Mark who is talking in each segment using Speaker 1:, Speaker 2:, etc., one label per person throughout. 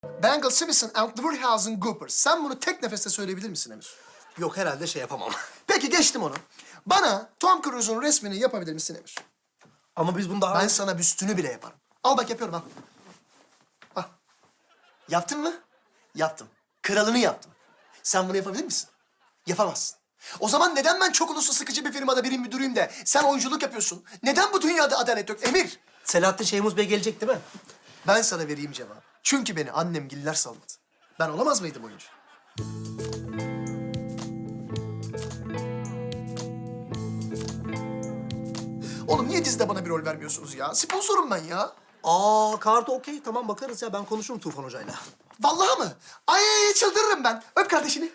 Speaker 1: Bengal Simpson and Wurhausen Cooper. Sen bunu tek nefeste söyleyebilir misin Emir?
Speaker 2: Yok herhalde şey yapamam.
Speaker 1: Peki geçtim onu. Bana Tom Cruise'un resmini yapabilir misin Emir?
Speaker 2: Ama biz bunu daha...
Speaker 1: Ben sana büstünü bile yaparım. Al bak yapıyorum al. Al. Yaptın mı? Yaptım. Kralını yaptım. Sen bunu yapabilir misin? Yapamazsın. O zaman neden ben çok uluslu sıkıcı bir firmada birim müdürüyüm de sen oyunculuk yapıyorsun? Neden bu dünyada adalet yok Emir?
Speaker 2: Selahattin Şeyhmuz Bey gelecek değil mi?
Speaker 1: Ben sana vereyim cevabı. Çünkü beni annemgiller salmadı. Ben olamaz mıydım oyuncu? Oğlum niye dizide bana bir rol vermiyorsunuz ya? Sponsorum ben ya.
Speaker 2: Kartı okey. Tamam bakarız ya. Ben konuşurum Tufan Hoca'yla.
Speaker 1: Vallahi mı? Ay çıldırırım ben. Öp kardeşini.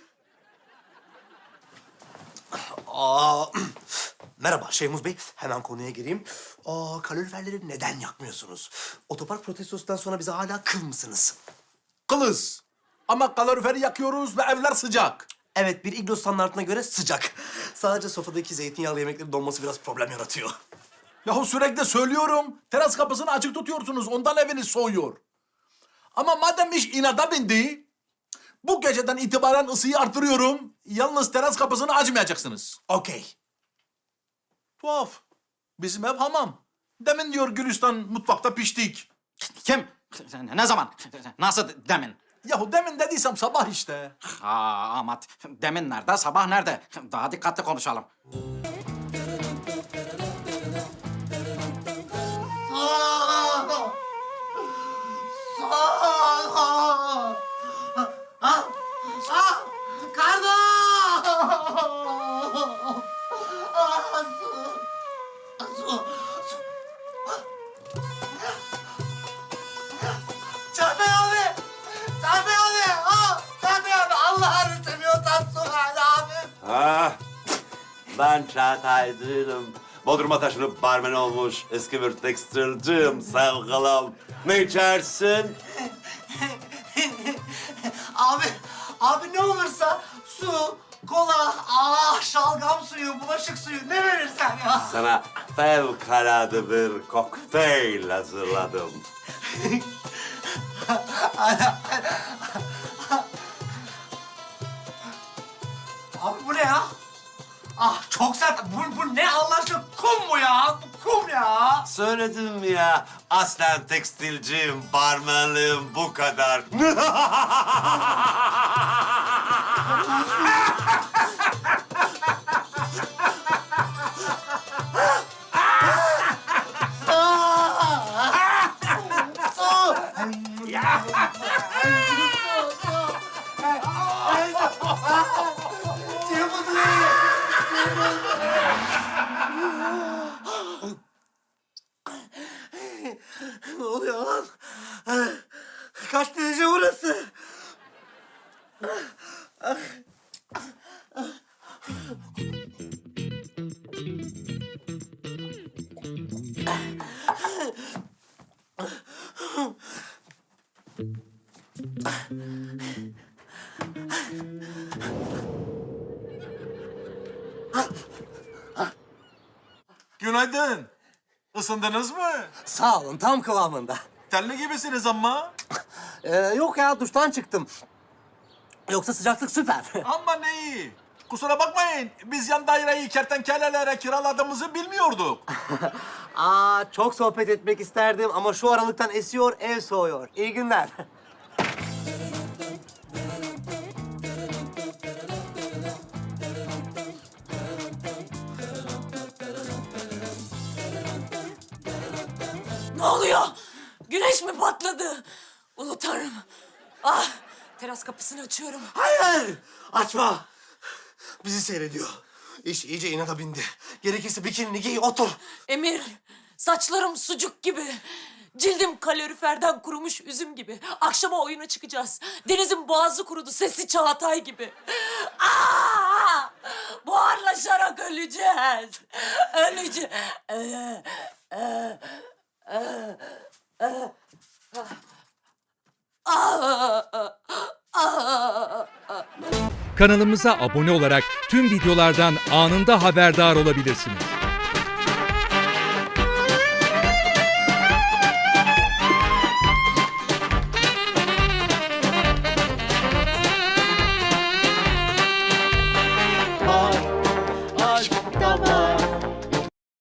Speaker 2: Merhaba Şeyhmuz Bey. Hemen konuya gireyim. Kaloriferleri neden yakmıyorsunuz? Otopark protestosundan sonra bize hala kıl mısınız?
Speaker 3: Kılız. Ama kaloriferi yakıyoruz ve evler sıcak.
Speaker 2: Evet, bir iglo standartına göre sıcak. Sadece sofradaki zeytinyağlı yemeklerin donması biraz problem yaratıyor.
Speaker 3: Yahu sürekli söylüyorum. Teras kapısını açık tutuyorsunuz. Ondan eviniz soğuyor. Ama madem iş inada bindi, bu geceden itibaren ısıyı artırıyorum. Yalnız teras kapısını açmayacaksınız.
Speaker 2: Okey.
Speaker 3: Tuhaf. Bizim ev hamam. Demin diyor Gülistan mutfakta piştik.
Speaker 4: Kim? Ne zaman? Nasıl demin?
Speaker 3: Yahu demin dediysem sabah işte.
Speaker 4: Amat, demin nerede, sabah nerede? Daha dikkatli konuşalım.
Speaker 5: Cafer abi! Cafer abi! Cafer abi! Allah'ını seviyorsan su ver abi!
Speaker 6: Ben Çağatay değilim. Bodrum'a taşınıp barmen olmuş eski bir tekstilciyim sevgilim. Ne içersin?
Speaker 5: Abi ne olursa su, kola, şalgam suyu, bulaşık suyu ne verirsen ya.
Speaker 6: Sana fevkalade bir kokteyl hazırladım.
Speaker 5: Abi bu ne ya? Çok sert. Bu ne Allah aşkına? Kum mu ya? Bu kum ya.
Speaker 6: Söyledim ya, aslen tekstilciyim, barmenliğim bu kadar.
Speaker 5: Ne oluyor lan? Kaç derece burası?
Speaker 3: Günaydın. Isındınız mı?
Speaker 2: Sağ olun, tam kıvamında.
Speaker 3: Terli gibisiniz ama.
Speaker 2: Yok ya, duştan çıktım. Yoksa sıcaklık süper.
Speaker 3: Aman iyi. Kusura bakmayın. Biz yan daireyi kertenkelelere kiraladığımızı bilmiyorduk.
Speaker 2: Çok sohbet etmek isterdim ama şu aralıktan esiyor, ev soğuyor. İyi günler.
Speaker 7: Ne oluyor? Güneş mi patladı? Ulu Tanrım. Teras kapısını açıyorum.
Speaker 2: Hayır! Açma! Bizi seyrediyor. İş iyice inada bindi. Gerekirse bikinini giy, otur.
Speaker 7: Emir, saçlarım sucuk gibi. Cildim kaloriferden kurumuş üzüm gibi. Akşama oyuna çıkacağız. Deniz'in boğazı kurudu, sesi Çağatay gibi. Buharlaşarak öleceğiz. Öleceğiz.
Speaker 8: Kanalımıza abone olarak tüm videolardan anında haberdar olabilirsiniz.